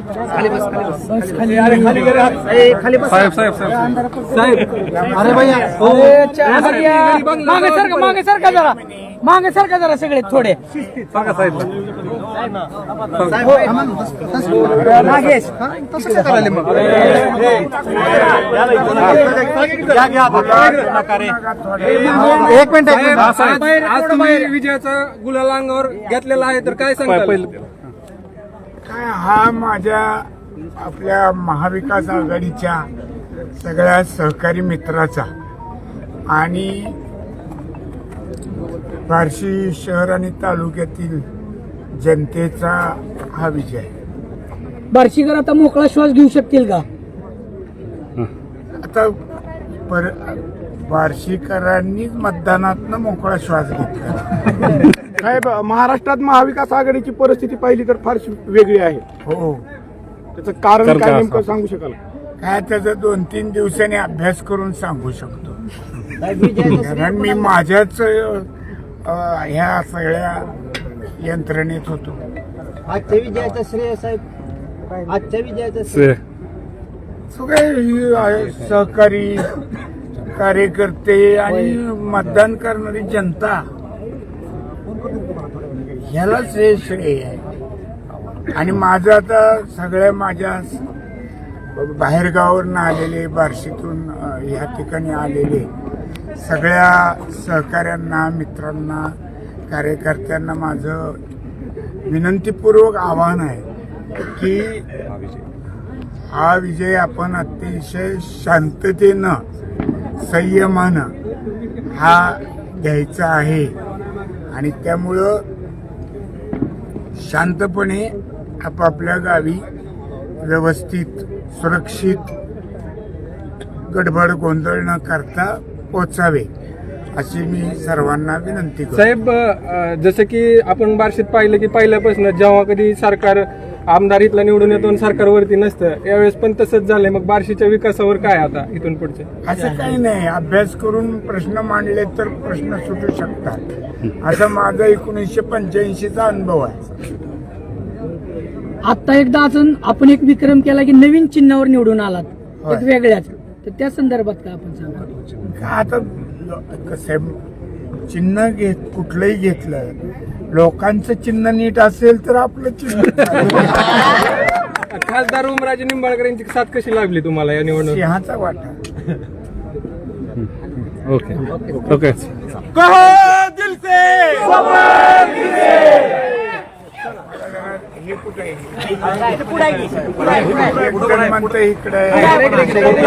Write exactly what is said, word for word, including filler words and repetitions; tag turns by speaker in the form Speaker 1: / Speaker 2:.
Speaker 1: साहेब साहेब साहेब अरे भैया
Speaker 2: मागे सरका मागे सरका जरा मागे सरका जरा सगळे थोडे
Speaker 1: सांगा साहेब
Speaker 2: नागेश
Speaker 1: एक मिनिट आज तुम्ही विजयाचा गुलाल अंगावर घेतलेला आहे तर काय सांगता पहिलं
Speaker 3: काय हा माझ्या आपल्या महाविकास आघाडीच्या सगळ्या सहकारी मित्राचा आणि बार्शी शहर आणि तालुक्यातील जनतेचा हा विजय आहे.
Speaker 2: बार्शीकर आता मोकळा श्वास घेऊ शकतील का?
Speaker 3: आता पर बार्शीकरांनीच मतदानातनं मोकळा श्वास घेतला.
Speaker 4: साहेब, महाराष्ट्रात महाविकास आघाडीची परिस्थिती पाहिली तर फार वेगळी आहे.
Speaker 3: हो,
Speaker 4: त्याचं कारण काय नेमकं सांगू शकाल?
Speaker 3: काय त्याचा दोन तीन दिवसांनी अभ्यास करून सांगू शकतो. कारण मी माझ्याच अं, ह्या सगळ्या यंत्रणेत होतो.
Speaker 5: आजच्या विजयाचं श्रेय साहेब, आजच्या विजयाचं श्रेय
Speaker 3: सगळे ही आहे, सहकारी कार्यकर्ते आणि मतदान करणारी जनता ह्यालाच हे श्रेय आहे. आणि माझं आता सगळ्या माझ्या बाहेरगावावरून आलेले बार्शीतून ह्या ठिकाणी आलेले सगळ्या सहकाऱ्यांना मित्रांना कार्यकर्त्यांना माझं विनंतीपूर्वक आवाहन आहे की हा विजय आपण अतिशय शांततेनं संयमानं हा घ्यायचा आहे. आणि त्यामुळं शांतपणे आपापल्या गावी व्यवस्थित सुरक्षित गडबड गोंधळ न करता पोचावे अशी मी सर्वांना विनंती करतो.
Speaker 1: साहेब जसं की आपण बार्शीत पाहिलं की पहिल्यापासून जेव्हा कधी सरकार आमदार इथला निवडून येतो आणि सरकारवरती नसतं यावेळेस पण तसंच झालंय. मग बार्शीच्या विकासावर काय आता इथून पुढचे?
Speaker 3: असं काही नाही, अभ्यास करून प्रश्न मांडले तर प्रश्न सुटू शकतात असा माझा एकोणीसशे पंच्याऐंशीचा अनुभव आहे.
Speaker 2: आता एकदा अजून आपण एक विक्रम केला की नवीन चिन्हावर निवडून आलात एक वेगळ्याच, तर त्या संदर्भात काय आपण सांगा?
Speaker 3: का आता कसं चिन्ह घेत कुठलंही घेतलं लोकांचं चिन्ह नीट असेल तर आपलं चिन्ह
Speaker 1: खासदार उमराजे निंबाळकर यांची साथ कशी लागली तुम्हाला या निवडणुकीत?
Speaker 3: सिंहाचा वाटा.
Speaker 1: ओके ओके
Speaker 3: हे कुठे आहे? म्हणतं इकडे